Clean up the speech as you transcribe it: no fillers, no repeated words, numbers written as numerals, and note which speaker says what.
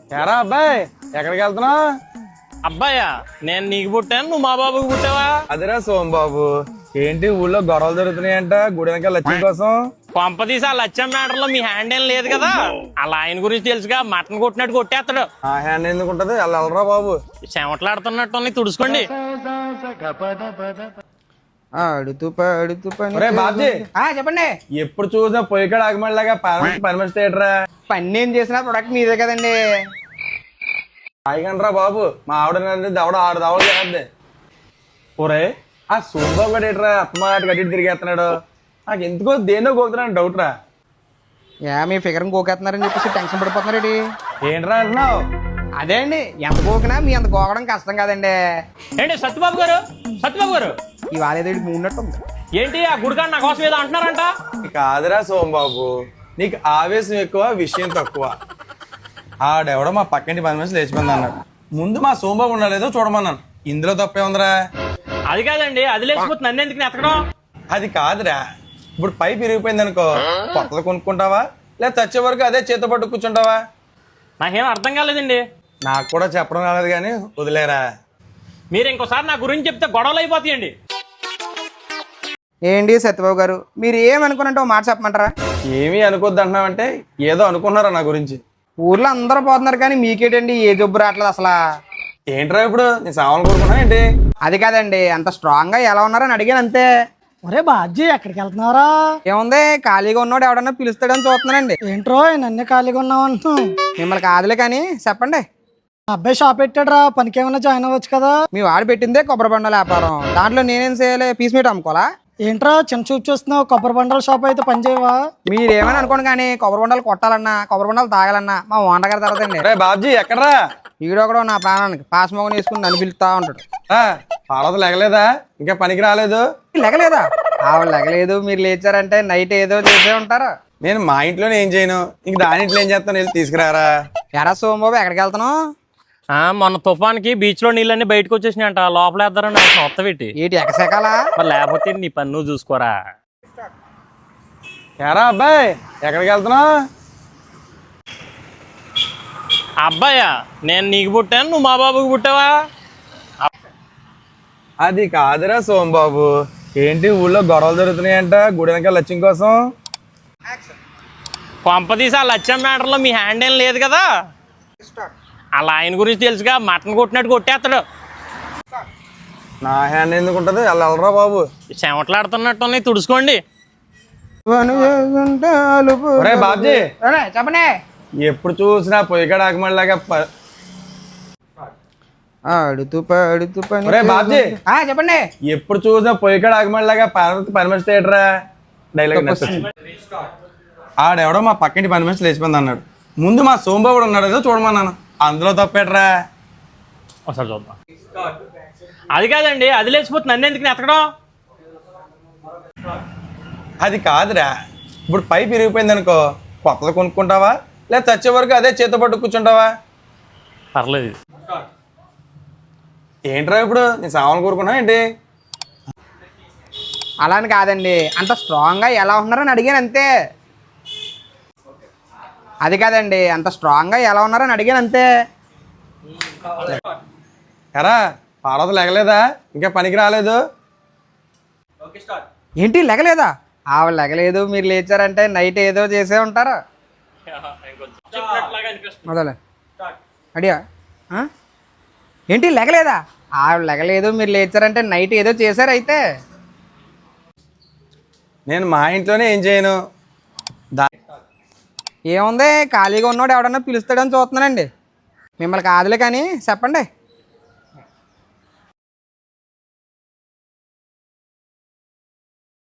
Speaker 1: ఎరా అబ్బాయి ఎక్కడికి వెళ్తున్నావు?
Speaker 2: అబ్బాయా నేను నీకు పుట్టాను, నువ్వు మా బాబుకి పుట్టావా?
Speaker 1: అదిరా సోమబాబు, ఏంటి ఊళ్ళో గొడవలు జరుగుతున్నాయంట గుడి వెనక లక్ష్మి కోసం?
Speaker 2: కొంపదీసి ఆ లచ్చం మ్యాటర్ లో మీ హ్యాండ్ ఏం లేదు కదా? అలా ఆయన గురించి తెలుసుగా, మటన్ కొట్టినట్టు కొట్టేస్తాడు.
Speaker 1: ఆ హ్యాండ్ ఎందుకు ఉంటది? వెళ్ళరా బాబు.
Speaker 2: చెమట్లాడుతున్నట్టు తుడుచుకోండి.
Speaker 1: ఒరే బాబ్జీ,
Speaker 3: చెప్పండి.
Speaker 1: ఎప్పుడు చూసినా పొయ్యికాడ ఆగమడిలాగా పర్మిషన్ థియేటరా?
Speaker 3: పని ఏం చేసినా ప్రొడక్ట్ మీదే కదండి.
Speaker 1: ఆగండ్రా బాబు, మా ఆవిడ దవడ 6 దవడలు చేద్దే. ఒరే ఆ సోమబాబు గడు ఏట్రా అత్తమాట గడ్డి తిరిగేస్తున్నాడు? నాకు ఎందుకో దేనో గోకుతున్నాను డౌట్ రా.
Speaker 3: మీ ఫిగర్ గోకేస్తున్నారని చెప్పేసి టెన్షన్ పడిపోతున్నారండి.
Speaker 1: ఏంట్రా అంటున్నావు?
Speaker 3: అదే అండి, ఎంత గోకినా మీ అంత గోకడం కష్టం కదండి.
Speaker 2: ఏంటి సత్యబాబు గారు, సత్యబాబు గారు
Speaker 3: ఇవాళ ఏదో మూడినట్టు ఉంది.
Speaker 2: ఏంటి ఆ గుడికాడు నా కోసం ఏదో అంటున్నారంట?
Speaker 1: కాదురా సోమబాబు, నీకు ఆవేశం ఎక్కువ విషయం తక్కువ. ఆడెవడో మా పక్కింటి 10 నిమిషాలు లేచిపోయింది అన్నాడు. ముందు మా సోమబాబు ఉండలేదో చూడమన్నాను. ఇందులో తప్పే ఉందిరా.
Speaker 2: అది కాదండి, అది లేచిపోతే నన్ను ఎందుకు ఎత్తకడం?
Speaker 1: అది కాదురా, ఇప్పుడు పైపు విరిగిపోయింది అనుకో, కొత్తది కొనుక్కుంటావా లేదా చచ్చే వరకు అదే చేత పట్టు కూర్చుంటావా?
Speaker 2: నాకేం అర్థం కాలేదండి.
Speaker 1: నాకు కూడా చెప్పడం రాలేదు కానీ వదిలేరా.
Speaker 2: మీరు ఇంకోసారి నా గురించి చెప్తే గొడవలు అయిపోతాయండి.
Speaker 3: ఏంటి సత్యబాబు గారు, మీరు ఏమనుకున్నట్టు మాట చెప్పమంటారా?
Speaker 1: ఏమీ అనుకోద్దు అంటున్నావంటే ఏదో అనుకున్నారా నా గురించి?
Speaker 3: ఊర్లో అందరూ పోతున్నారు కానీ మీకేటండి ఏ జబ్బు రావట్లేదు అసలు.
Speaker 1: ఏంట్రా ఇప్పుడు నీ సామాన్లు కోరుకున్నా ఏంటి?
Speaker 3: అది కాదండి, అంత స్ట్రాంగ్ గా ఎలా ఉన్నారని అడిగాను అంతే.
Speaker 4: ఒరే బాజీ ఎక్కడికి వెళ్తున్నారా?
Speaker 3: ఏముంది, ఖాళీగా ఉన్నాడు ఎవడన్నా పిలుస్తాడని చూస్తున్నానండి.
Speaker 4: ఏంట్రో నన్నే ఖాళీగా ఉన్నావు అంటూ.
Speaker 3: మిమ్మల్ని కాదులే కానీ చెప్పండి.
Speaker 4: మా అబ్బాయి షాప్ పెట్టాడురా, పనికి ఏమైనా జాయిన్ అవ్వచ్చు కదా?
Speaker 3: మీ వాడు పెట్టిందే కొబ్బరి బండల వ్యాపారం, దాంట్లో నేనేం చేయాలి? పీస్ మీట్ అమ్ముకోవాలా?
Speaker 4: ఏంట్రా చిన్న చూపు చూస్తున్నావు? కొబ్బరి బండల షాప్ అయితే పని చేయవా?
Speaker 3: మీరేమని అనుకోండి కానీ కొబ్బరి బండలు కొట్టాలన్నా కొబ్బరి బండలు తాగాలన్నా మా ఓండ గారి తర్వాతండి.
Speaker 1: రే బాబ్జీ ఎక్కడ్రా?
Speaker 3: ఈడో కూడా నా ప్రాణానికి పాస్ మొగని వేసుకుని నన్ను పిలుస్తా ఉంటాడు.
Speaker 1: పాడవత లెగలేదా? ఇంకా పనికి రాలేదు?
Speaker 3: లెగలేదా? ఆవిడ లెగలేదు, మీరు లేచారంటే నైట్ ఏదో చేసే ఉంటారు.
Speaker 1: నేను మా ఇంట్లోనే ఏం చేయను, ఇంక దాని ఇంట్లో ఏం చేస్తాను? వెళ్ళి తీసుకురారా.
Speaker 3: ఎరా సోమబాబు ఎక్కడికి వెళ్తున్నావు?
Speaker 2: మొన్న తుఫాన్కి బీచ్ లో నీళ్ళన్నీ బయటకు వచ్చేసినాయంట, లోపల వేద్దారని మొత్తం పెట్టి.
Speaker 3: ఏంటి ఎక్కసెకాలా?
Speaker 2: మరి లేకపోతే నీ పని నువ్వు చూసుకోరా.
Speaker 1: ఎరా అబ్బాయి ఎక్కడికి వెళ్తున్నావు?
Speaker 2: అబ్బాయా నేను నీకు పుట్టాను, నువ్వు మా బాబుకి పుట్టావా?
Speaker 1: అది కాదురా సోమబాబు, ఏంటి ఊళ్ళో గొడవలు జరుగుతున్నాయంట గుడి వెనక లక్ష్యం కోసం?
Speaker 2: కొంపదీసి ఆ లచ్చం మ్యాటర్ లో మీ హ్యాండ్ ఏం లేదు కదా? అలా ఆయన గురించి తెలుసుగా, మటన్ కొట్టినట్టు కొట్టేస్తాడు.
Speaker 1: నా హ్యాండ్ ఎందుకు ఉంటది? వెళ్ళరా బాబు.
Speaker 2: చెమట్లాడుతున్నట్టు తుడుచుకోండి.
Speaker 1: ఒరే బాబ్జీ,
Speaker 3: చెప్పండి.
Speaker 1: ఎప్పుడు చూసినా పొయ్యికాడ ఆగమడిలాగా
Speaker 3: ఆడుతూ పాడుతూ పని.
Speaker 1: ఒరే బాబ్జీ,
Speaker 3: చెప్పండి.
Speaker 1: ఎప్పుడు చూసినా పొయ్యికాడ ఆగమడిలాగా పర్మిషన్ థియేటరా? డైలాగ్ ఆడెవడో మా పక్కింటి 10 నిమిషాలు లేచిపోయింది అన్నాడు. ముందు మా సోమబాబు ఉన్నాడు ఏదో చూడమన్నాను. అందులో తప్పేట్రా?
Speaker 2: ఒకసారి చూద్దాం. అది కాదండి, అది లేచిపోతే నన్ను ఎందుకు ఎత్తకడం?
Speaker 1: అది కాదురా, ఇప్పుడు పైపు విరిగిపోయింది అనుకో, కొత్తది కొనుక్కుంటావా లేదా చచ్చే వరకు అదే చేత పట్టు కూర్చుంటావా?
Speaker 2: పర్లేదు.
Speaker 1: ఏంట్రా ఇప్పుడు నీ సామాన్లు కోరుకున్నా ఏంటి?
Speaker 3: అలా అని కాదండి, అంత స్ట్రాంగ్ గా ఎలా ఉన్నారని అడిగాను అంతే. అది కాదండి, అంత స్ట్రాంగ్ గా ఎలా ఉన్నారని అడిగాను అంతే.
Speaker 1: ఎరా పాడవత లెగలేదా? ఇంకా పనికి రాలేదు?
Speaker 3: ఏంటి లెగలేదా? ఆవిడ లెగలేదు, మీరు లేచారంటే నైట్ ఏదో చేసే ఉంటారు. మొదలే అడియా. ఏంటి లెగలేదా? ఆవిడ లెగలేదు, మీరు లేచారంటే నైట్ ఏదో చేశారు అయితే.
Speaker 1: నేను మా ఇంట్లోనే ఏం చేయను.
Speaker 3: ఏముంది, ఖాళీగా ఉన్నాడు ఎవడన్నా పిలుస్తాడని చూస్తున్నానండి. మిమ్మల్ని కాదులే కానీ చెప్పండి.